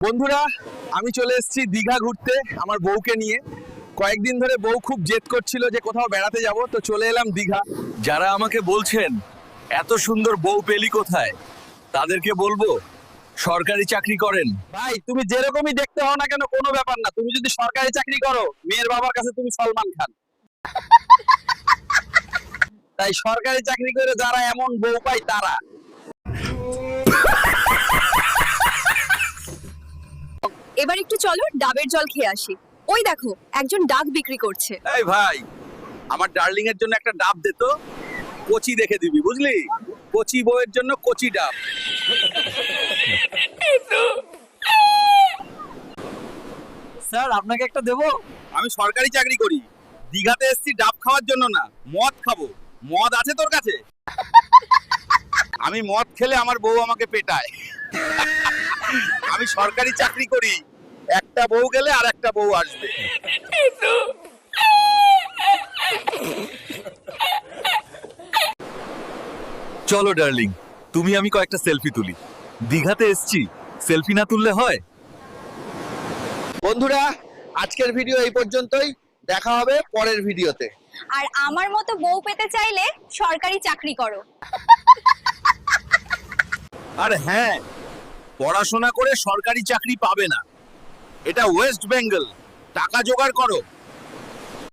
বন্ধুরা, আমি চলে এসেছি দীঘা ঘুরতে আমার বউকে নিয়ে। কয়েকদিন ধরে বউ খুব জেদ করছিল যে কোথাও বেড়াতে যাব, তো চলে এলাম দীঘা। যারা আমাকে বলছেন এত সুন্দর বউ পেলি কোথায়, তাদেরকে বলবো সরকারি চাকরি করেন। ভাই, তুমি যেরকমই দেখতে হও না কেন কোনো ব্যাপার না, তুমি যদি সরকারি চাকরি করো মেয়ের বাবার কাছে তুমি সলমান খান। তাই সরকারি চাকরি করে যারা এমন বউ পায় তারা। এবার একটু চলো ডাবের জল খেয়ে আসি। ওই দেখো একজন ডাব বিক্রি করছে। এই ভাই, আমার ডার্লিং এর জন্য একটা ডাব দে তো। কচি দেখে দিবি, বুঝলি? কচি বউয়ের জন্য কচি ডাব। স্যার আপনাকে একটা দেবো? আমি সরকারি চাকরি করি, দীঘাতে এসেছি ডাব খাওয়ার জন্য না, মদ খাবো। মদ আছে তোর কাছে? আমি মদ খেলে আমার বউ আমাকে পেটায়। আমি সরকারি চাকরি করি, একটা বউ গেলে আর একটা বউ আসবে। চলো ডার্লিং, তুমি আমি কয়েকটা সেলফি তুলি। দীঘাতে এসেছি, সেলফি না তুললে হয়? বন্ধুরা, আজকের ভিডিও এই পর্যন্তই। দেখা হবে পরের ভিডিওতে। আর আমার মতো বউ পেতে চাইলে সরকারি চাকরি করো। আর হ্যাঁ, পড়াশোনা করে সরকারি চাকরি পাবে না, এটা ওয়েস্ট বেঙ্গল। টাকা জোগাড় করো।